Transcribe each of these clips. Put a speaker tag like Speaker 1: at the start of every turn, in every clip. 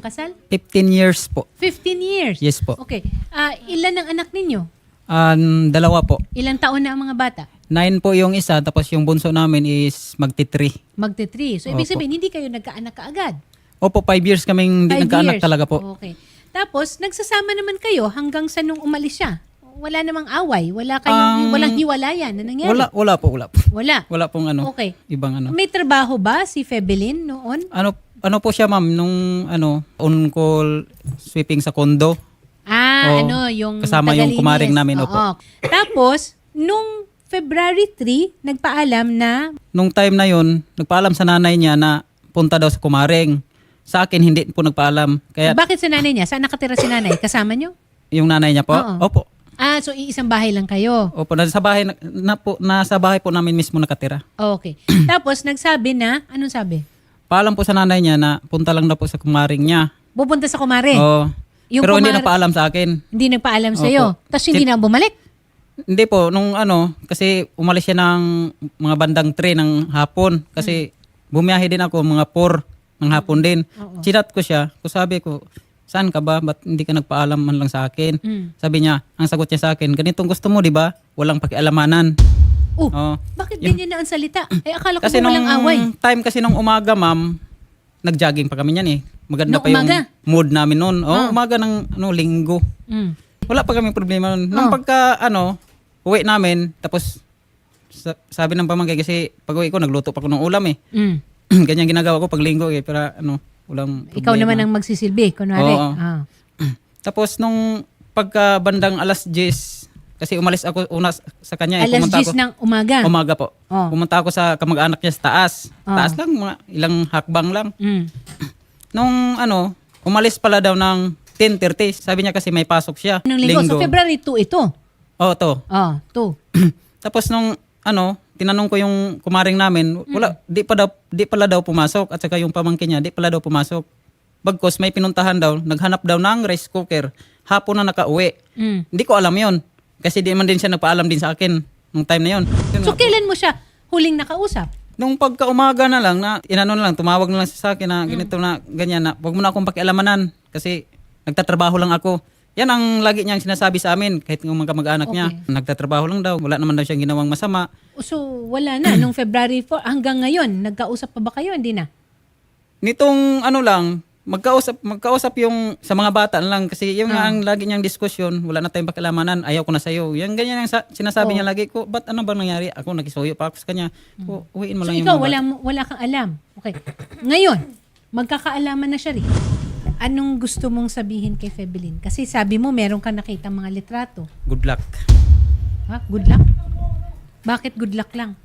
Speaker 1: kasal?
Speaker 2: 15 years po.
Speaker 1: 15 years?
Speaker 2: Yes po.
Speaker 1: Okay. Ilan ang anak ninyo?
Speaker 2: Dalawa po.
Speaker 1: Ilang taon na ang mga bata?
Speaker 2: 9 po yung isa, tapos yung bunso namin is magti-3.
Speaker 1: Magti-3. So, ibig
Speaker 2: Opo.
Speaker 1: sabihin, hindi kayo nagkaanak kaagad?
Speaker 2: Opo, 5 years kaming hindi
Speaker 1: 5
Speaker 2: nagkaanak
Speaker 1: years.
Speaker 2: talaga po.
Speaker 1: Okay. Tapos, nagsasama naman kayo hanggang sa nung umalis siya? Wala namang away? Wala kayong, walang hiwalayan na nangyari?
Speaker 2: Wala po.
Speaker 1: Wala?
Speaker 2: Wala pong
Speaker 1: Okay.
Speaker 2: ibang ano.
Speaker 1: May trabaho ba si Febelin noon?
Speaker 2: Ano po siya ma'am, nung on-call sweeping sa kondo. Oo.
Speaker 1: Yung
Speaker 2: Kasama yung
Speaker 1: tagalinis.
Speaker 2: kumaring namin,
Speaker 1: Oo.
Speaker 2: opo.
Speaker 1: Tapos, nung February 3, nagpaalam na
Speaker 2: Nung time na yon, nagpaalam sa nanay niya na punta daw sa kumaring. Sa akin, hindi po nagpaalam. Kaya
Speaker 1: bakit sa nanay niya? Saan nakatira si nanay? Kasama niyo?
Speaker 2: yung nanay niya po,
Speaker 1: Oo.
Speaker 2: opo.
Speaker 1: So iisang bahay lang kayo.
Speaker 2: Opo, nasa bahay, nasa bahay po namin mismo nakatira.
Speaker 1: Okay. Tapos nagsabi na, anong sabi?
Speaker 2: Paalam po sa nanay niya na punta lang daw po sa kumaring niya.
Speaker 1: Pupunta sa kumare.
Speaker 2: Oo.
Speaker 1: Yung
Speaker 2: Pero hindi
Speaker 1: kumare-
Speaker 2: nagpaalam sa akin.
Speaker 1: Hindi nagpaalam
Speaker 2: Opo.
Speaker 1: sa'yo. Tapos hindi na bumalik.
Speaker 2: Hindi po, nung kasi umalis siya ng mga bandang 3 ng hapon. Kasi bumiyahe din ako, mga 4 ng hapon din.
Speaker 1: Oo.
Speaker 2: Chinat ko siya, sabi ko, saan ka ba? Ba't hindi ka nagpaalam man lang sa akin? Sabi niya, ang sagot niya sa akin, ganitong gusto mo, di ba? Walang pakialamanan. Oo.
Speaker 1: Bakit ganyan na ang salita? Akala ko
Speaker 2: Kasi
Speaker 1: ba
Speaker 2: nung
Speaker 1: walang away?
Speaker 2: time kasi nung umaga, ma'am, nag-jogging pa kami niyan eh. Maganda
Speaker 1: Nung
Speaker 2: pa yung
Speaker 1: umaga?
Speaker 2: mood namin noon. Umaga ng linggo.
Speaker 1: Mm.
Speaker 2: Wala pa kami problema nun. Nung pagka, uwi namin, tapos sabi ng pamangkin kasi pag uwi ko, nagluto pa ko ng ulam eh.
Speaker 1: Mm.
Speaker 2: Ganyan ginagawa ko pag linggo eh, pero walang problema.
Speaker 1: Ikaw naman ang magsisilbi, kunwari.
Speaker 2: Oo. Tapos nung pagka bandang alas 10, kasi umalis ako una sa kanya eh.
Speaker 1: Alas
Speaker 2: Pumunta
Speaker 1: 10
Speaker 2: ako,
Speaker 1: ng umaga.
Speaker 2: umaga po.
Speaker 1: Oh.
Speaker 2: Pumunta ako sa kamag-anak niya sa taas. Taas lang, mga ilang hakbang lang.
Speaker 1: Mm.
Speaker 2: Nung umalis pala daw ng 10:30. Sabi niya kasi may pasok siya.
Speaker 1: Anong linggo? So February 2 ito.
Speaker 2: Oo, to.
Speaker 1: 2.
Speaker 2: Tapos nung tinanong ko yung kumaring namin, wala, di pala daw pumasok at saka yung pamangkin niya, di pala daw pumasok. Bagkos may pinuntahan daw, naghanap daw ng rice cooker. Hapon na nakauwi.
Speaker 1: Mm.
Speaker 2: Hindi ko alam 'yon. Kasi di man din siya nagpaalam din sa akin nung time na 'yon. Yun
Speaker 1: So
Speaker 2: nga po.
Speaker 1: kailan mo siya huling nakausap?
Speaker 2: Nung pagka-umaga na lang, tumawag na lang siya sa akin na ganito na, ganyan na, wag mo na akong pakialamanan kasi nagtatrabaho lang ako. Yan ang lagi niyang sinasabi sa amin, kahit ng mga kamag-anak niya.
Speaker 1: Okay.
Speaker 2: Nagtatrabaho lang daw, wala naman daw siyang ginawang masama.
Speaker 1: So wala na. Nung February 4 hanggang ngayon, nagkausap pa ba kayo? Hindi na.
Speaker 2: Nitong magkausap yung sa mga bata lang kasi yung nga ang lagi niyang diskusyon, wala na tayong pakialamanan, ayaw ko na sa'yo. Yan ganyan ang sinasabi niya lagi ko, ba't ano bang nangyari? Ako nakisuyo pa ako sa kanya. Uwiin mo
Speaker 1: So
Speaker 2: lang yung
Speaker 1: ikaw,
Speaker 2: mga bata.
Speaker 1: wala kang alam. Okay. Ngayon, magkakaalaman na siya rin. Anong gusto mong sabihin kay Febelin? Kasi sabi mo, meron kang nakita mga litrato.
Speaker 2: Good luck.
Speaker 1: Ha? Good luck? Bakit good luck lang?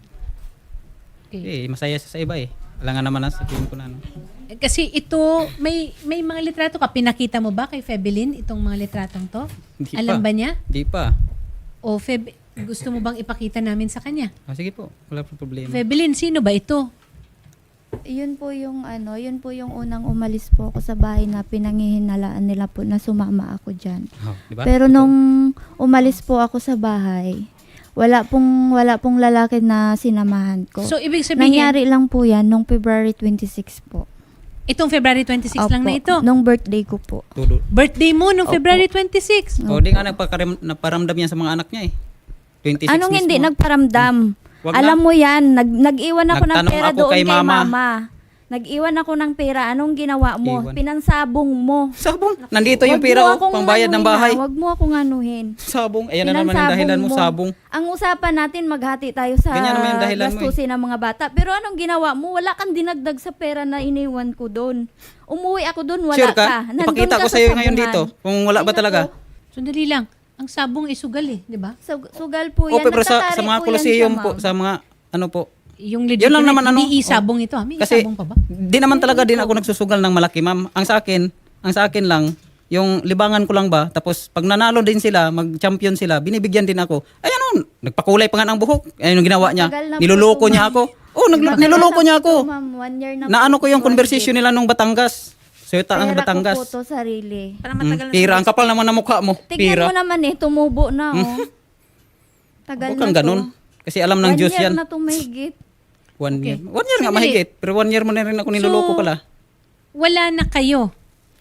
Speaker 1: Okay.
Speaker 2: Masaya siya sa iba eh. Wala nga naman sabihin ko na.
Speaker 1: Kasi ito, may mga litrato ka. Pinakita mo ba kay Febelin itong mga litratong to?
Speaker 2: Hindi
Speaker 1: Alam
Speaker 2: pa.
Speaker 1: ba niya?
Speaker 2: Di pa.
Speaker 1: O gusto mo bang ipakita namin sa kanya?
Speaker 2: Sige po, wala po problema.
Speaker 1: Febelin, sino ba ito?
Speaker 3: Yun po yung unang umalis po ako sa bahay na pinangihinalaan nila po na sumama ako diyan.
Speaker 2: Di ba?
Speaker 3: Pero nung umalis po ako sa bahay, wala pong lalaki na sinamahan ko.
Speaker 1: So, ibig sabihin,
Speaker 3: Nangyari lang po yan nung February 26 po.
Speaker 1: itong February 26 lang na ito.
Speaker 3: Nung birthday ko po.
Speaker 2: Tulo.
Speaker 1: Birthday mo nung
Speaker 3: Opo.
Speaker 1: February 26.
Speaker 2: O di nga naparamdam yan sa mga anak niya eh. 26
Speaker 3: Anong hindi
Speaker 2: mismo.
Speaker 3: nagparamdam?
Speaker 2: Wag
Speaker 3: Alam
Speaker 2: na.
Speaker 3: mo yan, nag-iwan ako ng
Speaker 2: Nagtanong
Speaker 3: pera
Speaker 2: ako
Speaker 3: doon
Speaker 2: kay
Speaker 3: kay
Speaker 2: mama.
Speaker 3: mama. Nag-iwan ako ng pera. Anong ginawa mo?
Speaker 2: Iwan.
Speaker 3: Pinansabong mo.
Speaker 2: Sabong. Nandito yung
Speaker 3: Wag
Speaker 2: pera
Speaker 3: mo
Speaker 2: oh,
Speaker 3: akong
Speaker 2: pangbayad ng
Speaker 3: anuhin,
Speaker 2: bahay.
Speaker 3: ha? Wag mo akong anuhin.
Speaker 2: Sabong. Ayan na naman yung dahilan mo, sabong.
Speaker 3: Ang usapan natin, maghati tayo sa
Speaker 2: Ganyan naman yung dahilan mo eh.
Speaker 3: gastusin ng mga bata. Pero anong ginawa mo? Wala kang dinagdag sa pera na iniwan ko doon. Umuwi ako doon, wala
Speaker 2: Sure
Speaker 3: ka.
Speaker 2: ka?
Speaker 3: Nandun
Speaker 2: Ipakita
Speaker 3: ka
Speaker 2: ko
Speaker 3: sa
Speaker 2: sa'yo ngayon
Speaker 3: sabungan.
Speaker 2: dito. Kung wala ba
Speaker 3: Ay,
Speaker 2: talaga.
Speaker 3: naku.
Speaker 1: Sandali lang. Ang sabong isugal eh, di ba?
Speaker 3: Sugal po
Speaker 2: O
Speaker 3: yan.
Speaker 2: pero sa
Speaker 3: Nagtatari
Speaker 2: mga
Speaker 3: po yan
Speaker 2: Colosseum
Speaker 3: siya,
Speaker 2: po,
Speaker 3: ma'am.
Speaker 2: sa mga po.
Speaker 1: Yung legit
Speaker 2: Yun lang naman
Speaker 1: hindi isabong ito. May
Speaker 2: Kasi
Speaker 1: isabong pa ba?
Speaker 2: di naman talaga din ako nagsusugal ng malaki, ma'am. Ang sa akin lang, yung libangan ko lang ba, tapos pag nanalo din sila, mag-champion sila, binibigyan din ako. Ay ano, nagpakulay pa nga ng buhok. Ayun yung ginawa niya.
Speaker 3: Matagal na po
Speaker 2: Niloloko
Speaker 3: ito,
Speaker 2: niya
Speaker 3: ma'am.
Speaker 2: ako. Oh, niloloko niya ako.
Speaker 3: Ma'am, 1 year na
Speaker 2: Naano ko yung
Speaker 3: po.
Speaker 2: conversation nila nung Batangas. Suyota ang
Speaker 3: Pera
Speaker 2: Batangas.
Speaker 3: ko po to sarili.
Speaker 2: Pira, ang kapal naman ng mukha mo.
Speaker 3: Tignan
Speaker 2: Pira.
Speaker 3: mo naman tumubo na oh. Tagal
Speaker 2: Huwag
Speaker 3: na
Speaker 2: kang
Speaker 3: to.
Speaker 2: ganun. Kasi alam ng
Speaker 3: 1
Speaker 2: Diyos
Speaker 3: year
Speaker 2: yan.
Speaker 3: na to mahigit.
Speaker 2: 1 year. 1 year nga
Speaker 1: Sandali.
Speaker 2: mahigit. Pero 1 year mo na rin ako niloloko
Speaker 1: So,
Speaker 2: pala.
Speaker 1: Wala na kayo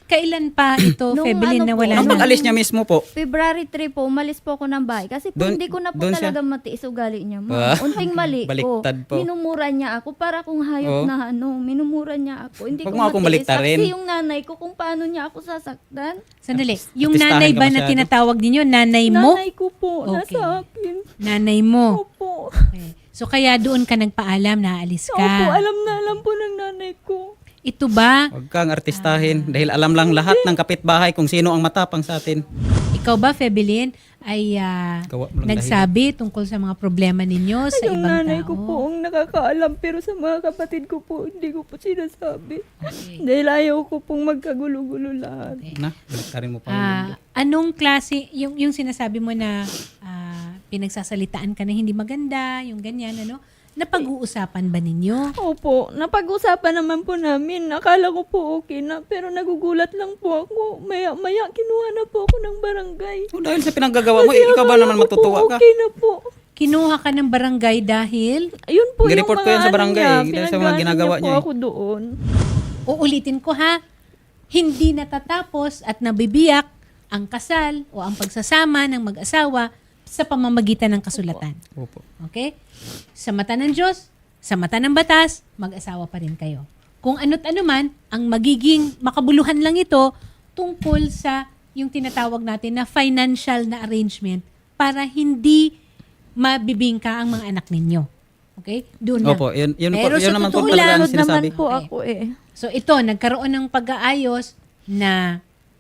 Speaker 1: Kailan pa ito,
Speaker 3: Nung
Speaker 1: Febelin,
Speaker 3: ano
Speaker 1: na
Speaker 3: po,
Speaker 1: wala
Speaker 2: Nung
Speaker 1: na?
Speaker 2: pag-alis niya mismo po,
Speaker 3: February 3 po, umalis po ako ng bahay. Kasi po,
Speaker 2: Doon-
Speaker 3: hindi ko na po
Speaker 2: doon siya?
Speaker 3: talaga matiis ugali niya.
Speaker 2: Ah.
Speaker 3: Unting mali
Speaker 2: Baliktad po.
Speaker 3: Minumura niya ako para kung
Speaker 2: Oo.
Speaker 3: hayop na minumura niya ako. Hindi
Speaker 2: Huwag
Speaker 3: ko
Speaker 2: mo akong
Speaker 3: matiis.
Speaker 2: baliktarin.
Speaker 3: Saksi yung nanay ko kung paano niya ako sasaktan.
Speaker 1: Sandali. Yung
Speaker 2: Artistahin
Speaker 1: nanay
Speaker 2: ka
Speaker 1: ba na
Speaker 2: masyado.
Speaker 1: tinatawag ninyo? Nanay mo?
Speaker 3: Nanay ko po,
Speaker 1: Okay.
Speaker 3: nasa akin.
Speaker 1: Nanay mo.
Speaker 3: Opo.
Speaker 1: Okay. So kaya doon ka nagpaalam na aalis
Speaker 3: Opo,
Speaker 1: ka.
Speaker 3: alam na alam po ng nanay ko.
Speaker 1: Ito ba,
Speaker 2: huwag kang artistahin dahil alam lang lahat ng kapitbahay kung sino ang matapang sa atin.
Speaker 1: ikaw ba, Febelin, ay
Speaker 2: Gawa mo lang
Speaker 1: nagsabi tungkol sa mga problema ninyo sa
Speaker 3: Yung
Speaker 1: ibang
Speaker 3: nanay
Speaker 1: tao?
Speaker 3: ko po ang nakakaalam pero sa mga kapatid ko po hindi ko po sinasabi.
Speaker 1: Okay.
Speaker 3: Dahil ayaw ko pong magkagulo-gulo lahat.
Speaker 2: Na, baliktarin mo pa.
Speaker 1: Anong klase, yung sinasabi mo na pinagsasalitaan ka na hindi maganda, yung ganyan, ano? Napag-uusapan ba ninyo?
Speaker 3: Opo, napag-usapan naman po namin. Akala ko po okay na, pero nagugulat lang po ako. Maya-maya, kinuha na po ako ng barangay.
Speaker 2: Oh, dahil sa pinanggagawa mo, ikaw ba
Speaker 3: akala
Speaker 2: naman
Speaker 3: ko po
Speaker 2: matutuwa ka?
Speaker 3: Okay na po.
Speaker 1: Kinuha ka ng barangay dahil,
Speaker 3: Ayun po
Speaker 2: Nireport
Speaker 3: yung
Speaker 2: ko yan
Speaker 3: mga
Speaker 2: sa barangay,
Speaker 3: ano
Speaker 2: dahil sa mga
Speaker 3: pinag-ano
Speaker 2: ginagawa
Speaker 3: po
Speaker 2: niya eh.
Speaker 3: ako doon.
Speaker 1: uulitin ko ha, hindi natatapos at nabibiyak ang kasal o ang pagsasama ng mag-asawa sa pamamagitan ng kasulatan.
Speaker 2: Opo.
Speaker 1: Okay? Sa mata ng Diyos, sa mata ng batas, mag-asawa pa rin kayo. Kung ano't ano man, ang magiging makabuluhan lang ito tungkol sa yung tinatawag natin na financial na arrangement para hindi mabibingka ang mga anak ninyo. Okay? Doon lang.
Speaker 2: Opo, yun
Speaker 1: Pero
Speaker 2: yun
Speaker 1: sa
Speaker 2: naman po
Speaker 1: totoo
Speaker 2: talaga ang
Speaker 1: lang,
Speaker 3: Sunod
Speaker 2: sinasabi.
Speaker 3: naman po
Speaker 1: Okay.
Speaker 3: ako eh.
Speaker 1: So ito, nagkaroon ng pag-aayos na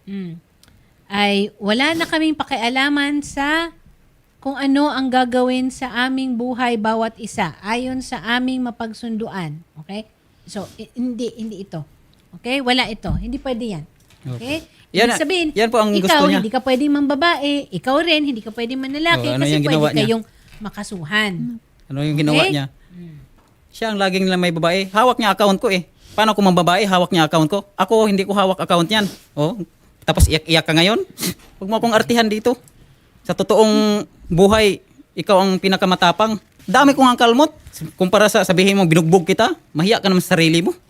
Speaker 1: ay wala na kaming pakialaman sa kung ano ang gagawin sa aming buhay bawat isa ayon sa aming mapagsunduan. Okay? So, hindi ito. Okay? Wala ito. Hindi pwede yan. Okay?
Speaker 2: Yan-
Speaker 1: Ibig sabihin,
Speaker 2: yan po ang gusto
Speaker 1: ikaw,
Speaker 2: niya.
Speaker 1: hindi ka pwedeng mambabae, ikaw rin, hindi ka pwedeng manlalaki
Speaker 2: Oh, ano
Speaker 1: kasi
Speaker 2: yung
Speaker 1: pwede
Speaker 2: ginawa niya?
Speaker 1: kayong makasuhan.
Speaker 2: Ano yung ginawa
Speaker 1: Okay?
Speaker 2: niya? Siya ang laging lang may babae. Hawak niya account ko eh. Paano kung mambabae, hawak niya account ko? Ako, hindi ko hawak account niyan. Oh, tapos iyak-iyak ka ngayon? Huwag mo akong artihan dito. Sa totoong buhay, ikaw ang pinakamatapang. Dami kong ang kalmot. Kumpara sa sabihin mo, binugbog kita, mahiya ka naman sa sarili mo.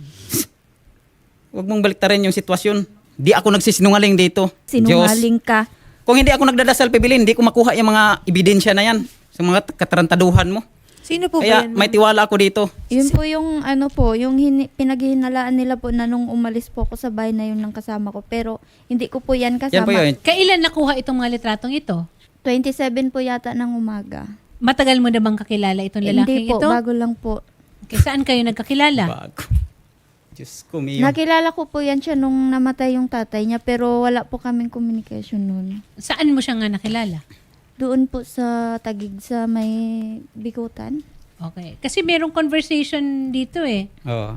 Speaker 2: Huwag mong baliktarin yung sitwasyon. Di ako nagsisinungaling dito.
Speaker 3: Sinungaling ka.
Speaker 2: Kung hindi ako nagdadasal, Pibilin, hindi ko makuha yung mga ebidensya na yan sa mga katarantaduhan mo.
Speaker 1: Sino po
Speaker 2: Kaya
Speaker 1: ba yan?
Speaker 2: may tiwala ako dito.
Speaker 3: Yun po yung yung pinaghihinalaan nila po na nung umalis po ako sa bahay na yun ng kasama ko. Pero hindi ko po yan
Speaker 2: Yan
Speaker 3: kasama.
Speaker 2: po yun.
Speaker 1: Kailan nakuha itong mga litratong ito?
Speaker 3: 27 po yata ng umaga.
Speaker 1: Matagal mo na bang kakilala itong lalaking
Speaker 3: Hindi po,
Speaker 1: ito?
Speaker 3: bago lang po.
Speaker 1: Okay, saan kayo nagkakilala?
Speaker 2: Bago. Diyos ko, Mio.
Speaker 3: Nakilala ko po yan siya nung namatay yung tatay niya pero wala po kaming communication nun.
Speaker 1: Saan mo siya nga nakilala?
Speaker 3: Doon po sa Tagig sa may Bikutan.
Speaker 1: Okay. Kasi merong conversation dito eh.
Speaker 2: Oo.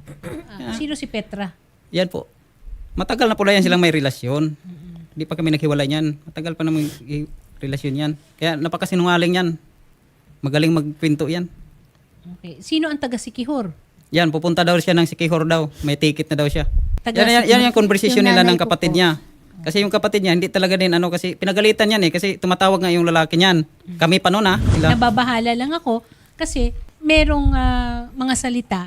Speaker 1: Sino si Petra?
Speaker 2: Yan po. Matagal na po na yan silang may relasyon. Hindi pa kami naghiwalay niyan. Matagal pa naman relasyon yan. Kaya napakasinungaling yan. Magaling magkwento yan.
Speaker 1: Okay. Sino ang taga Sikihor?
Speaker 2: Yan, pupunta daw siya ng Sikihor daw. May ticket na daw siya.
Speaker 1: Taga
Speaker 2: Yan yung conversation
Speaker 3: Yung
Speaker 2: nila ng
Speaker 3: nanay ko
Speaker 2: kapatid
Speaker 3: po.
Speaker 2: niya. Kasi yung kapatid niya, hindi talaga din kasi pinagalitan yan eh. Kasi tumatawag nga yung lalaki niyan. Kami pa noon sila.
Speaker 1: Nababahala lang ako kasi merong mga salita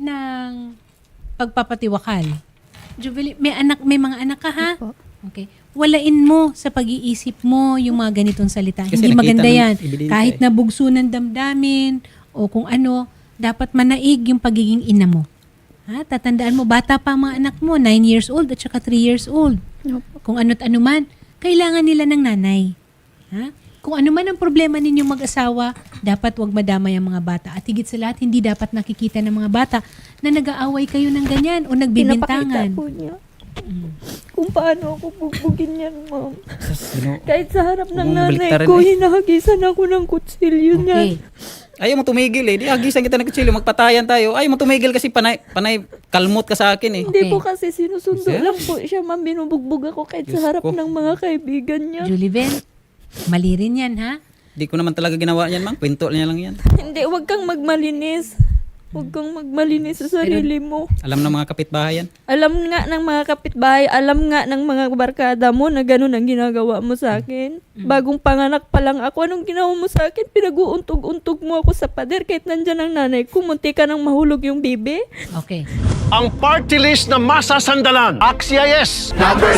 Speaker 1: ng pagpapatiwakal. Jubilee, may mga anak ka ha?
Speaker 3: Opo.
Speaker 1: Okay. Walain mo sa pag-iisip mo yung mga ganitong salita.
Speaker 2: Kasi
Speaker 1: Hindi
Speaker 2: nakita
Speaker 1: maganda
Speaker 2: ng
Speaker 1: yan.
Speaker 2: ebidensya
Speaker 1: Kahit
Speaker 2: eh.
Speaker 1: na bugso ng damdamin o kung ano, dapat manaig yung pagiging ina mo. Ha? Tatandaan mo, bata pa ang mga anak mo, 9 years old at saka 3 years old.
Speaker 3: Opo.
Speaker 1: Kung ano't ano man, kailangan nila ng nanay. Ha? Kung ano man ang problema ninyong mag-asawa, dapat wag madamay ang mga bata. At higit sa lahat, hindi dapat nakikita ng mga bata na nag-aaway kayo ng ganyan o nagbibintangan.
Speaker 3: Pinapakita po niya. Kung paano ako bugbugin yan, ma'am. Kahit sa harap ng
Speaker 2: Huwag mong
Speaker 3: nanay
Speaker 2: baliktarin
Speaker 3: ko,
Speaker 2: eh.
Speaker 3: hinahagisan ako ng kutsilyo niya.
Speaker 1: Okay.
Speaker 2: Ayaw mo tumigil eh. Di agisan kita ng kutsilyo, magpatayan tayo. Ayaw mo tumigil kasi panay kalmot ka sa akin eh.
Speaker 3: Hindi
Speaker 1: Okay.
Speaker 3: po kasi sinusundo
Speaker 2: Sir?
Speaker 3: lang po siya, ma'am. Binubugbog ako kahit
Speaker 2: Diyos
Speaker 3: sa harap
Speaker 2: ko.
Speaker 3: ng mga kaibigan niya.
Speaker 1: Juliven, mali rin yan ha?
Speaker 2: Di ko naman talaga ginawa yan, mang. Kwento niya lang yan.
Speaker 3: Hindi, wag kang magmalinis.
Speaker 4: Huwag kang magmalinis sa sarili mo.
Speaker 2: Alam ng mga kapitbahay yan.
Speaker 4: Alam nga ng mga kapitbahay, alam nga ng mga barkada mo na ganun ang ginagawa mo sa akin. Bagong panganak pa lang ako, anong ginawa mo sa akin? Pinag-uuntog-untog mo ako sa pader kahit nandyan ang nanay ko. Munti ka nang mahulog yung bibi.
Speaker 1: Okay.
Speaker 5: Ang party list na masasandalan. Axia yes!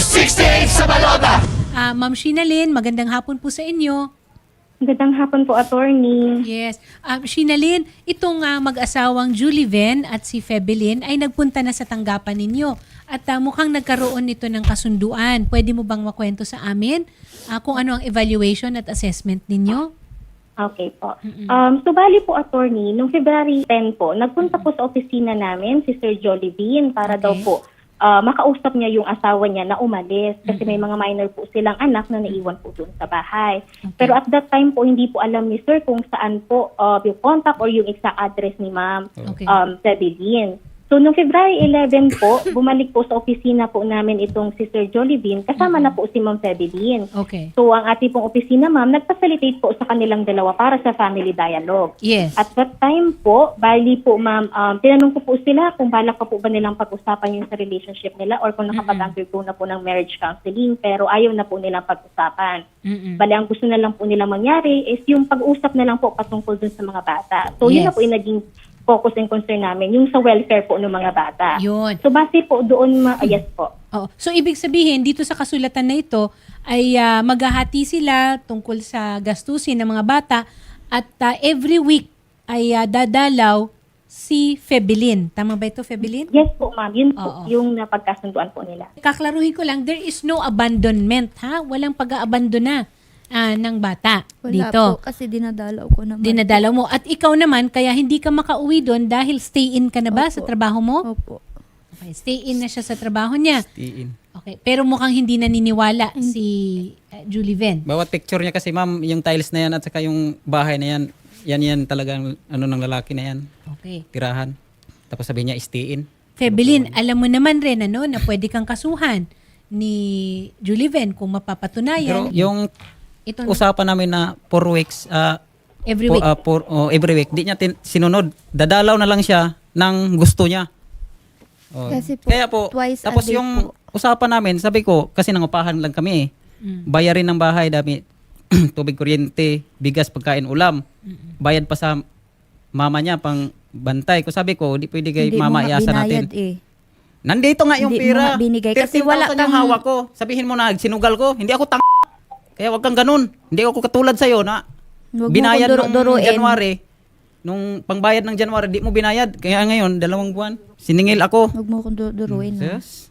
Speaker 1: Ma'am Shinalyn, magandang hapon po sa inyo.
Speaker 6: Magandang hapon po, attorney.
Speaker 1: Yes. Shinalyn, itong mag-asawang Julie Ven at si Febelyn ay nagpunta na sa tanggapan ninyo. At mukhang nagkaroon nito ng kasunduan. Pwede mo bang makwento sa amin kung ano ang evaluation at assessment ninyo?
Speaker 6: Okay po. So, bali po, attorney, noong February 10 po, nagpunta po sa opisina namin si Sir Jollibee para daw po makausap niya yung asawa niya na umalis kasi may mga minor po silang anak na naiwan po doon sa bahay. Pero at that time po, hindi po alam ni Sir kung saan po yung contact or yung exact address ni Ma'am
Speaker 1: Okay.
Speaker 6: Febelyn. So, noong February 11 po, bumalik po sa opisina po namin itong si Sir Jollibee, kasama na po si Ma'am Febelyn.
Speaker 1: Okay.
Speaker 6: So, ang ating pong opisina, ma'am, nag-facilitate po sa kanilang dalawa para sa family dialogue.
Speaker 1: Yes.
Speaker 6: At that time po, bali po, ma'am, tinanong ko po sila kung balak pa po ba nilang pag-usapan yung sa relationship nila or kung nakapag-undergo na po ng marriage counseling, pero ayaw na po nilang pag-usapan. Bali, ang gusto na lang po nilang mangyari is yung pag-usap na lang po patungkol dun sa mga bata. So, yun
Speaker 1: Yes.
Speaker 6: na po yung naging focus and concern namin, yung sa welfare po ng mga bata.
Speaker 1: Yun.
Speaker 6: So, base po doon, yes po.
Speaker 1: Oo. So, ibig sabihin, dito sa kasulatan na ito, ay maghahati sila tungkol sa gastusin ng mga bata at every week ay dadalaw si Febelyn. Tama ba ito, Febelyn?
Speaker 6: Yes po, ma'am. Yun po
Speaker 1: Oo.
Speaker 6: yung napagkasunduan po nila.
Speaker 1: Kaklaruhin ko lang, there is no abandonment, ha? Walang pag-aabandona ng bata
Speaker 3: Wala
Speaker 1: dito.
Speaker 3: po, kasi dinadalaw ko naman.
Speaker 1: Dinadala mo. At ikaw naman, kaya hindi ka makauwi doon dahil stay in ka na ba
Speaker 3: Opo.
Speaker 1: sa trabaho mo?
Speaker 3: Opo.
Speaker 1: Okay, stay in na siya sa trabaho niya.
Speaker 2: Tiin.
Speaker 1: Okay, pero mukhang hindi naniniwala si Julie Ven.
Speaker 2: Bawat picture niya kasi ma'am, yung tiles na yan at saka yung bahay na yan, yan talagang ano ng lalaki na yan,
Speaker 1: Okay.
Speaker 2: tirahan. Tapos sabi niya, istiin.
Speaker 1: Febelyn, alam mo naman rin na pwede kang kasuhan ni Julie Ven kung
Speaker 2: Pero
Speaker 1: mapapatunayan
Speaker 2: yung
Speaker 1: itong
Speaker 2: usapan namin na 4 weeks,
Speaker 1: every week.
Speaker 2: every week, di niya sinunod. Dadalaw na lang siya ng gusto niya. Oh.
Speaker 3: Kasi po,
Speaker 2: Kaya po,
Speaker 3: twice a
Speaker 2: tapos
Speaker 3: day
Speaker 2: yung
Speaker 3: po.
Speaker 2: usapan namin, sabi ko, kasi nangupahan lang kami eh. Bayarin ng bahay, dami, tubig, kuryente, bigas, pagkain, ulam. Bayad pa sa mama niya, pang bantay. Ko sabi ko, di pwede kay
Speaker 3: Hindi mo
Speaker 2: mama
Speaker 3: nga
Speaker 2: iasa
Speaker 3: binayad
Speaker 2: natin.
Speaker 3: eh.
Speaker 2: Nandito nga yung
Speaker 3: Hindi mo
Speaker 2: pera.
Speaker 3: nga binigay kasi
Speaker 2: 13,000
Speaker 3: wala
Speaker 2: yung
Speaker 3: kang-
Speaker 2: hawak ko. Sabihin mo na, sinugal ko. Hindi ako Kaya wag kang ganun. Hindi ako katulad sa'yo na
Speaker 3: Huwag mo
Speaker 2: binayad
Speaker 3: kong
Speaker 2: nung
Speaker 3: duruin.
Speaker 2: January. Nung pangbayad ng January, di mo binayad. Kaya ngayon, 2 buwan. Siningil ako.
Speaker 3: Huwag mo kong duruin. ha?
Speaker 2: Yes.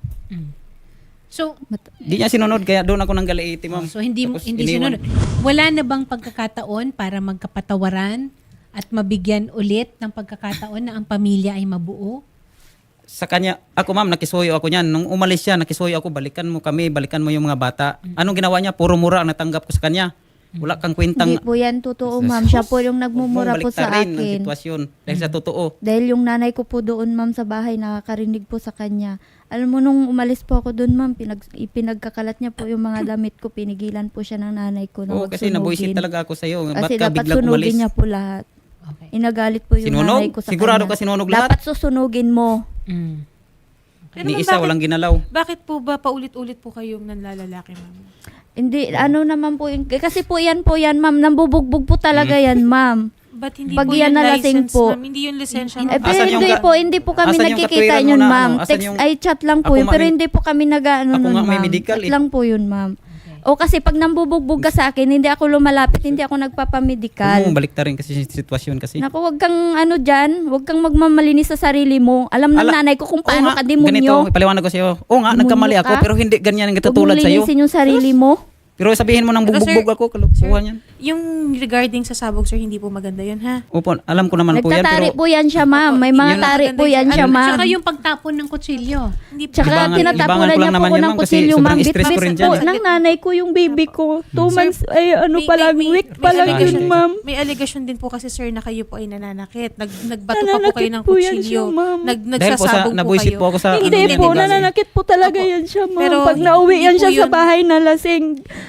Speaker 1: So,
Speaker 2: Di niya sinunod, kaya doon ako nang galiiti, ma'am.
Speaker 1: so hindi
Speaker 2: Tapos
Speaker 1: hindi
Speaker 2: iniwan.
Speaker 1: sinunod. Wala na bang pagkakataon para magkapatawaran at mabigyan ulit ng pagkakataon na ang pamilya ay mabuo?
Speaker 2: Sa kanya, ako ma'am, nakisuyo ako niyan. Nung umalis siya, nakisuyo ako, balikan mo kami, balikan mo yung mga bata. Anong ginawa niya? Puro mura ang natanggap ko sa kanya. Wala kang kwentang...
Speaker 3: Hindi po yan totoo, ma'am. Siya po yung nagmumura po sa
Speaker 2: Baliktarin ang
Speaker 3: akin.
Speaker 2: sitwasyon. Dahil sa totoo.
Speaker 3: Dahil yung nanay ko po doon, ma'am, sa bahay, nakakarinig po sa kanya. Alam mo, nung umalis po ako doon, ma'am, pinagkakalat niya po yung mga damit ko. Pinigilan po siya ng nanay ko na
Speaker 2: Oo, kasi nabuisit
Speaker 3: magsunugin.
Speaker 2: talaga ako sa'yo. Ba't
Speaker 3: Kasi
Speaker 2: ka
Speaker 3: dapat
Speaker 2: biglang umalis?
Speaker 3: sunugin niya po lahat.
Speaker 1: Okay.
Speaker 3: Inagalit po yung
Speaker 2: Sinunog?
Speaker 3: nanay ko sa
Speaker 2: Sigurado
Speaker 3: kanya.
Speaker 2: ka sinunog lahat?
Speaker 3: Dapat susunugin mo.
Speaker 1: Mm.
Speaker 7: Pero
Speaker 2: Ni
Speaker 7: ma'am,
Speaker 2: isa,
Speaker 7: bakit-
Speaker 2: walang ginalaw.
Speaker 7: Bakit po ba paulit-ulit po kayong nanlalalaki, ma'am?
Speaker 3: Hindi, ano naman po yun. Kasi po yan, ma'am. Nambubugbog po talaga
Speaker 2: Mm.
Speaker 3: yan, ma'am.
Speaker 7: Ba't hindi
Speaker 3: Pag
Speaker 7: po
Speaker 3: yan
Speaker 7: yung
Speaker 3: nalasing
Speaker 7: license,
Speaker 3: po.
Speaker 7: ma'am? Hindi yung lisensya,
Speaker 3: Eh,
Speaker 7: ma'am.
Speaker 3: pero
Speaker 2: Asan yung
Speaker 3: hindi po kami
Speaker 2: asan yung
Speaker 3: nagkikita
Speaker 2: katwiran mo
Speaker 3: yun,
Speaker 2: na,
Speaker 3: ma'am.
Speaker 2: ano? Asan
Speaker 3: Text,
Speaker 2: yung-
Speaker 3: ay chat lang po
Speaker 2: Ako
Speaker 3: yun.
Speaker 2: nga
Speaker 3: Pero
Speaker 2: may-
Speaker 3: hindi po kami
Speaker 2: Ako
Speaker 3: nag-ano nun,
Speaker 2: nga may
Speaker 3: ma'am.
Speaker 2: medical
Speaker 3: Chat
Speaker 2: eh.
Speaker 3: lang po yun, ma'am. O kasi pag nambubugbog ka sa akin, hindi ako lumalapit, hindi ako nagpapamedical.
Speaker 2: Huwag mo baliktarin kasi yung sitwasyon kasi.
Speaker 3: Naku, wag kang ano dyan, wag kang magmamalinis sa sarili mo. Alam ng nanay ko kung paano
Speaker 2: Oo nga,
Speaker 3: ka demonyo.
Speaker 2: Ganito, ipaliwanag ko sa'yo. Oo nga,
Speaker 3: Demonyo
Speaker 2: nagkamali ako,
Speaker 3: ka?
Speaker 2: pero hindi ganyan ang
Speaker 3: Huwag mong
Speaker 2: katulad sa'yo.
Speaker 3: linisin yung sarili mo.
Speaker 2: Pero sabihin mo nang
Speaker 7: Pero sir-
Speaker 2: bubugbog ako, kalukuhan yan.
Speaker 7: Yung regarding sa sabog, sir, hindi po maganda yun, ha?
Speaker 2: Opo, alam ko naman po yan,
Speaker 3: Nagtatari
Speaker 2: pero
Speaker 3: po yan siya, ma'am. May mga
Speaker 2: Yun-
Speaker 3: tari po yan siya, ma'am.
Speaker 1: Tsaka yung pagtapon ng kutsilyo.
Speaker 7: Hindi po.
Speaker 3: Tsaka
Speaker 2: Libangan
Speaker 3: tinatapunan
Speaker 2: ko lang
Speaker 3: niya po
Speaker 2: naman
Speaker 3: ko
Speaker 2: yan,
Speaker 3: ng
Speaker 2: ma'am, kasi
Speaker 3: kutsilyo,
Speaker 2: sobrang
Speaker 3: ma'am.
Speaker 2: stress ko rin
Speaker 3: Bit-bit
Speaker 2: dyan,
Speaker 3: po
Speaker 2: eh.
Speaker 3: ng nanay ko yung baby ko. 2 months, ay ano pa lang, week pa lang
Speaker 2: allegation.
Speaker 3: yun, ma'am.
Speaker 7: May allegation din po kasi, sir, na kayo po ay nananakit. Nagbato pa po kayo ng
Speaker 3: Nananakit po yan
Speaker 7: kutsilyo.
Speaker 3: siya, ma'am.
Speaker 2: dahil po sa,
Speaker 7: Nagsasabog po
Speaker 2: nabuisit
Speaker 7: kayo.
Speaker 2: po ako sa...
Speaker 3: Hindi
Speaker 2: ano,
Speaker 3: po,
Speaker 2: yan,
Speaker 3: nananakit po talaga
Speaker 7: Opo.
Speaker 3: yan siya, ma'am.
Speaker 7: Pero
Speaker 3: Pag nauwi
Speaker 7: hindi
Speaker 3: yan
Speaker 7: po
Speaker 3: siya sa
Speaker 7: yun-
Speaker 3: bahay na lasing,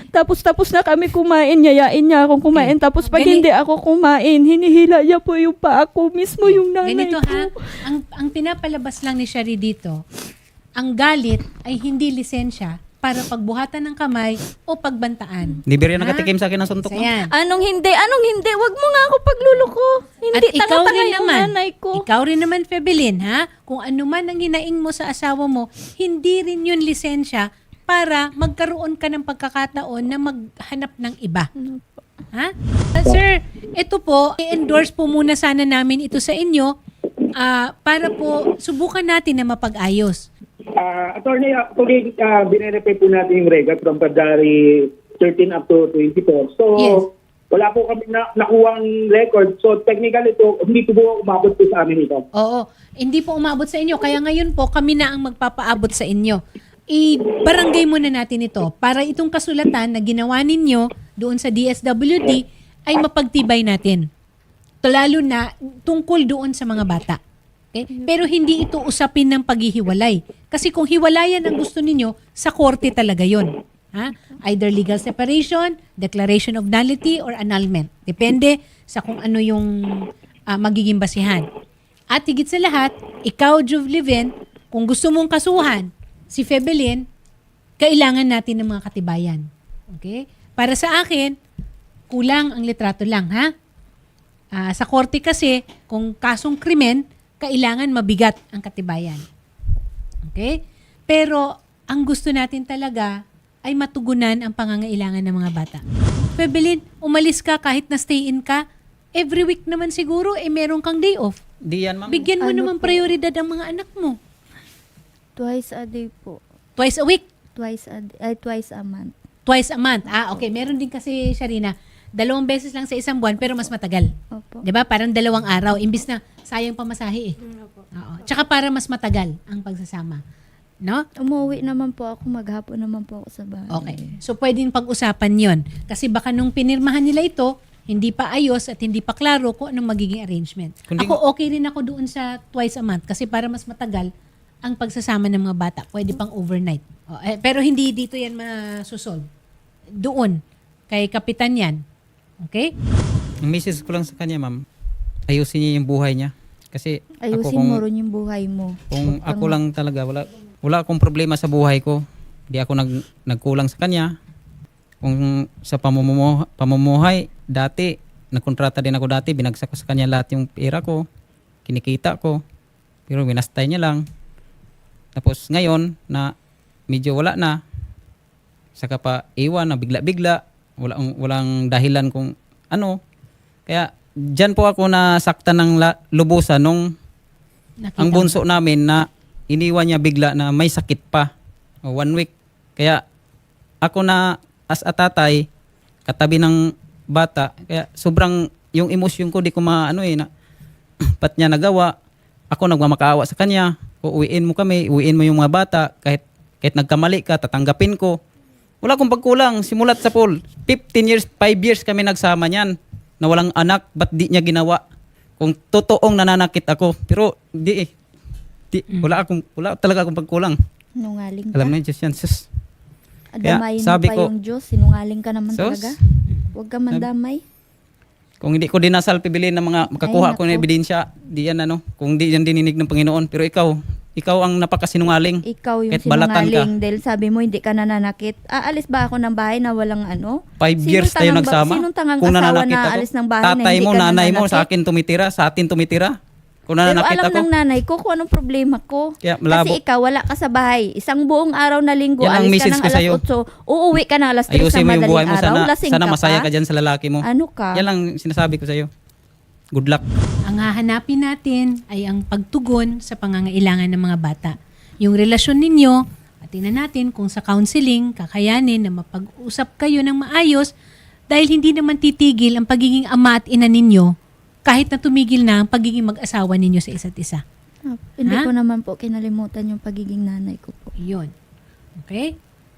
Speaker 4: Tapos na kami kumain, yayain niya akong kumain. Tapos pag
Speaker 1: Gani-
Speaker 4: hindi ako kumain, hinihila niya po yung paa ko, mismo yung nanay
Speaker 1: Ganito
Speaker 4: ko.
Speaker 1: ha, ang pinapalabas lang ni Shari dito, ang galit ay hindi lisensya para pagbuhatan ng kamay o pagbantaan.
Speaker 2: Hindi biro
Speaker 1: Ha?
Speaker 2: nakatikim sa akin ng suntok.
Speaker 1: So,
Speaker 2: ma'am.
Speaker 1: yan.
Speaker 4: Anong hindi? Wag mo nga ako pagluluko. Hindi,
Speaker 1: At ikaw
Speaker 4: tanga-tanga
Speaker 1: rin
Speaker 4: yung
Speaker 1: naman,
Speaker 4: nanay ko.
Speaker 1: ikaw rin naman, Febelin, ha? Kung ano man ang hinaing mo sa asawa mo, hindi rin yun lisensya para magkaroon ka ng pagkakataon na maghanap ng iba. Ha? Sir, ito po, i-endorse po muna sana namin ito sa inyo para po subukan natin na mapag-ayos.
Speaker 8: Attorney, actually, binirepay po natin yung record from February 13 up to 24. So,
Speaker 1: Yes.
Speaker 8: wala po kami nakuhang record. So, technically ito, hindi po umabot po sa amin ito.
Speaker 1: Oo, hindi po umabot sa inyo. Kaya ngayon po, kami na ang magpapaabot sa inyo. I-barangay muna natin ito para itong kasulatan na ginawa ninyo doon sa DSWD ay mapagtibay natin. Lalo na tungkol doon sa mga bata. Okay? Pero hindi ito usapin ng paghihiwalay. Kasi kung hiwalayan ang gusto ninyo, sa korte talaga yon. Ha? Either legal separation, declaration of nullity, or annulment. Depende sa kung ano yung magiging basihan. At higit sa lahat, ikaw, Juvlivin, kung gusto mong kasuhan si Febelin, kailangan natin ng mga katibayan. Okay? Para sa akin, kulang ang litrato lang, ha? Sa korte kasi, kung kasong krimen, kailangan mabigat ang katibayan. Okay? Pero, ang gusto natin talaga ay matugunan ang pangangailangan ng mga bata. Febelin, umalis ka kahit na stay in ka, every week naman siguro, meron kang day off.
Speaker 2: Di yan, ma'am.
Speaker 1: Bigyan mo
Speaker 3: Ano
Speaker 1: naman
Speaker 3: po?
Speaker 1: prioridad ang mga anak mo.
Speaker 3: Twice a day po.
Speaker 1: Twice a week,
Speaker 3: Twice a month.
Speaker 1: twice a month. Okay. Meron din kasi, Sharina, 2 beses lang sa isang buwan pero mas matagal.
Speaker 3: Opo.
Speaker 1: 'Di ba? Parang 2 araw. Imbis na sayang pamasahe eh. Oo. Tsaka para mas matagal ang pagsasama. No?
Speaker 3: Umuwi naman po ako, maghapon naman po ako sa bahay.
Speaker 1: Okay. So, pwedeng pag-usapan yon. Kasi baka nung pinirmahan nila ito, hindi pa ayos at hindi pa klaro kung anong magiging arrangement.
Speaker 2: Kundi-
Speaker 1: Ako, okay rin ako doon sa twice a month kasi para mas matagal ang pagsasama ng mga bata. Pwede pang overnight. Pero hindi dito yan masusolve. Doon. Kay Kapitan yan. Okay?
Speaker 2: Ang message ko lang sa kanya, ma'am, ayusin niya yung buhay niya. Kasi
Speaker 3: Ayusin
Speaker 2: ako
Speaker 3: mo rin yung buhay mo.
Speaker 2: kung ako lang talaga, wala akong problema sa buhay ko. Hindi ako nagkulang sa kanya. Kung sa pamumuhay, dati, nagkontrata din ako dati, binagsak ko sa kanya lahat yung pera ko, kinikita ko, pero winastay niya lang. Tapos ngayon, na medyo wala na, saka pa iwan na bigla-bigla, walang dahilan kung ano. Kaya dyan po ako nasaktan ng lubusan nung
Speaker 1: Nakita
Speaker 2: ang
Speaker 1: mo.
Speaker 2: bunso namin na iniwan niya bigla na may sakit pa. 1 week. Kaya ako na as a tatay, katabi ng bata, kaya sobrang yung emosyon ko di ko na ba't niya nagawa. Ako nagmamakaawa sa kanya. Uwiin mo kami, uwiin mo yung mga bata. Kahit nagkamali ka, tatanggapin ko. Wala akong pagkulang. Simulat sa pool. 15 years, 5 years kami nagsama niyan. Na walang anak, ba't di niya ginawa? Kung totoong nananakit ako. Pero wala talaga akong pagkulang.
Speaker 3: Sinungaling ka.
Speaker 2: Alam na yun, Diyos yan. Sus. Kaya
Speaker 3: Adamayin mo
Speaker 2: sabi
Speaker 3: pa
Speaker 2: ko,
Speaker 3: yung Diyos. Sinungaling ka naman
Speaker 2: Sus.
Speaker 3: talaga. Huwag ka mandamay.
Speaker 2: Kung hindi ko dinasal pibilin ng mga makakuha
Speaker 3: Ay,
Speaker 2: ko ng
Speaker 3: naku.
Speaker 2: ebidensya, di yan kung di yan dininig ng Panginoon. Pero ikaw ang napakasinungaling.
Speaker 3: Ikaw yung
Speaker 2: Kahit balatan ka.
Speaker 3: sinungaling dahil sabi mo hindi ka nananakit. Aalis ba ako ng bahay na walang ano?
Speaker 2: 5 years tayo nagsama.
Speaker 3: Sinong tangang
Speaker 2: Kung
Speaker 3: asawa
Speaker 2: nananakit
Speaker 3: na
Speaker 2: ako,
Speaker 3: aalis ng bahay na
Speaker 2: tatay
Speaker 3: hindi
Speaker 2: mo,
Speaker 3: ka
Speaker 2: nanay mo,
Speaker 3: nananakit?
Speaker 2: sa akin tumitira, sa atin tumitira. Kung
Speaker 3: Pero
Speaker 2: nananakit
Speaker 3: alam
Speaker 2: ako,
Speaker 3: ng nanay ko kung anong problema ko.
Speaker 2: Kaya malabo.
Speaker 3: Kasi ikaw wala ka sa bahay. Isang buong araw na linggo,
Speaker 2: Yan ang
Speaker 3: alis ka
Speaker 2: message
Speaker 3: ng
Speaker 2: ko sa'yo.
Speaker 3: alas 8, uuwi ka ng alas 3
Speaker 2: ayusin
Speaker 3: sa
Speaker 2: mo yung buhay
Speaker 3: madaling
Speaker 2: mo.
Speaker 3: araw. Lasing
Speaker 2: Sana
Speaker 3: ka
Speaker 2: masaya
Speaker 3: pa.
Speaker 2: ka dyan sa lalaki mo.
Speaker 3: Ano ka?
Speaker 2: Yan lang sinasabi ko sa'yo. Good luck.
Speaker 1: Ang hahanapin natin ay ang pagtugon sa pangangailangan ng mga bata. Yung relasyon ninyo, at tingnan natin kung sa counseling, kakayanin na mapag-usap kayo ng maayos dahil hindi naman titigil ang pagiging ama at ina ninyo kahit na tumigil na ang pagiging mag-asawa ninyo sa isa't isa.
Speaker 3: Hindi
Speaker 1: Ha?
Speaker 3: ko naman po kinalimutan yung pagiging nanay ko po.
Speaker 1: Yun. Okay?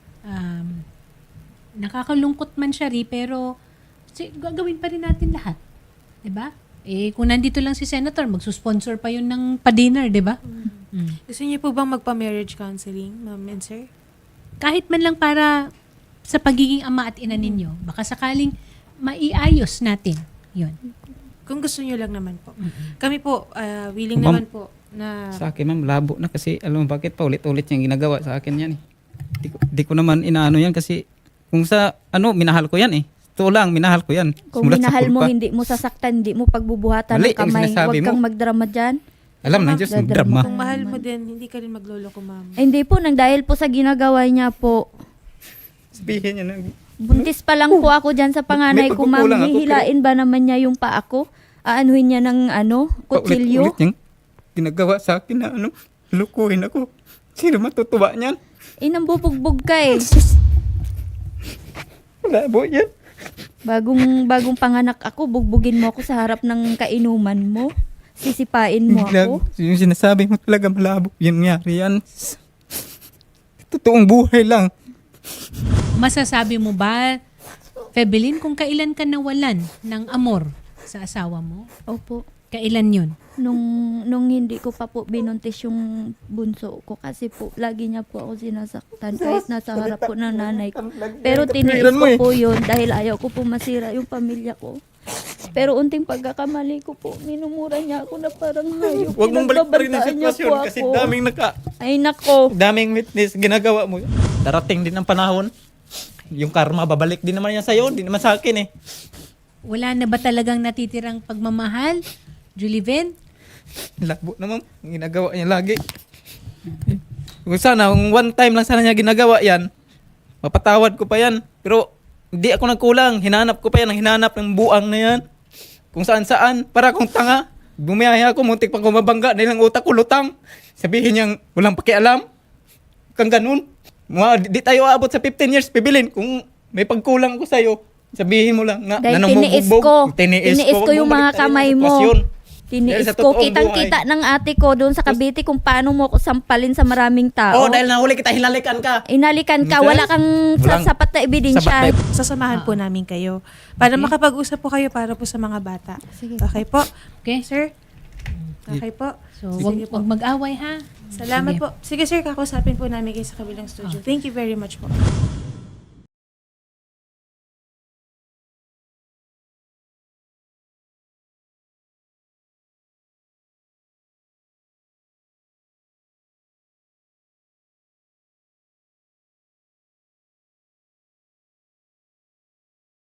Speaker 1: Nakakalungkot man siya pero gagawin pa rin natin lahat. 'Di ba? Kung nandito lang si Senator, magsusponsor pa yun ng pa-dinner, 'di ba? Mm.
Speaker 7: Gusto niyo po bang magpa-marriage counseling, ma'am and sir?
Speaker 1: Kahit man lang para sa pagiging ama at ina ninyo. Baka sakaling maiayos natin. Yun.
Speaker 7: Kung gusto nyo lang naman po. Kami po, willing
Speaker 2: Ma'am,
Speaker 7: naman po na...
Speaker 2: Sa akin, ma'am, labo na kasi alam mo bakit pa ulit-ulit yung ginagawa sa akin yan eh. Di ko naman inaano yan kasi kung sa minahal ko yan eh. Ito lang, minahal ko yan.
Speaker 3: Kung
Speaker 2: Simulat sa
Speaker 3: minahal mo,
Speaker 2: kurpa.
Speaker 3: hindi mo sasaktan, hindi mo pagbubuhatan
Speaker 2: Mali
Speaker 3: ng
Speaker 2: ang
Speaker 3: kamay.
Speaker 2: sinasabi
Speaker 3: Huwag kang
Speaker 2: mo.
Speaker 3: magdrama dyan.
Speaker 2: Alam na Diyos,
Speaker 3: Dadrama
Speaker 2: drama.
Speaker 3: ka
Speaker 7: Kung mahal mo
Speaker 3: naman.
Speaker 7: din, hindi ka rin maglolo ko, ma'am.
Speaker 3: Ay, hindi po, nang dahil po sa ginagawa niya po.
Speaker 2: Sabihin niya na.
Speaker 3: Buntis pa lang po ako dyan sa panganay
Speaker 2: May
Speaker 3: ko, ma'am.
Speaker 2: pagkukulang ako,
Speaker 3: Hihilain ba naman niya yung paa ko? Aanuhin niya ng kutsilyo?
Speaker 2: Paulit-ulit yung ginagawa sa akin na lukuhin ako. Sino matutuwa niyan?
Speaker 3: Nambubugbog ka eh.
Speaker 2: Labo yan.
Speaker 3: Bagong panganak ako, bugbugin mo ako sa harap ng kainuman mo. Sisipain mo ako.
Speaker 2: Yung sinasabi mo talaga malabo. Yan nangyari yan. Totoong buhay lang.
Speaker 1: Masasabi mo ba, Febelin, kung kailan ka nawalan ng amor sa asawa mo?
Speaker 3: Opo.
Speaker 1: Kailan yun?
Speaker 3: Nung hindi ko pa po binuntis yung bunso ko kasi po lagi niya po ako sinasaktan kahit nasa harap po ng nanay ko. Pero tiniis ko po yun dahil ayaw ko po masira yung pamilya ko. Pero unting pagkakamali ko po, minumura niya ako na parang hayop.
Speaker 2: Huwag mong balik pa rin ang
Speaker 3: Pinagbabantaan niya
Speaker 2: sitwasyon
Speaker 3: po
Speaker 2: kasi
Speaker 3: ako.
Speaker 2: daming
Speaker 3: Ay nako.
Speaker 2: daming witness ginagawa mo. Darating din ang panahon. Yung karma babalik din naman yan sa'yo, hindi naman sa akin eh.
Speaker 1: Wala na ba talagang natitirang pagmamahal, Juliven?
Speaker 2: Labo naman, ginagawa niya lagi. Kung sana, kung one time lang sana niya ginagawa yan, mapatawad ko pa yan. Pero hindi ako nagkulang, hinanap ko pa yan, hinanap ng buang na yan. Kung saan-saan, para akong tanga. Bumiyaya ako, muntik pang kumabangga dahil ang utak ko lutang. Sabihin niyang walang pakialam. Kang ganun. Di tayo aabot sa 15 years, Pibilin. Kung may pagkulang ko sa'yo, sabihin mo lang na
Speaker 3: Dahil
Speaker 2: namumugbog.
Speaker 3: tiniis ko yung mga kamay mo. Tiniis
Speaker 2: Dahil sa
Speaker 3: ko,
Speaker 2: totoong
Speaker 3: kitang-kita ng ate ko doon sa Cavite kung paano mo ako sampalin sa maraming tao.
Speaker 2: Oh, dahil nahuli kita, hinalikan ka.
Speaker 3: Inalikan ka,
Speaker 2: Minsan,
Speaker 3: wala kang
Speaker 2: walang
Speaker 3: sapat na ebidensya.
Speaker 2: sapat na-
Speaker 7: Sasamahan po namin kayo para makapag-usap po kayo para po sa mga bata.
Speaker 3: Sige.
Speaker 7: Okay po?
Speaker 1: Okay?
Speaker 7: Sir? Okay po.
Speaker 1: So,
Speaker 7: Sige po.
Speaker 1: wag mag-away ha.
Speaker 7: Salamat
Speaker 1: Sige.
Speaker 7: po. Sige sir, kakausapin po namin kayo sa kabilang studio. Thank you very much po.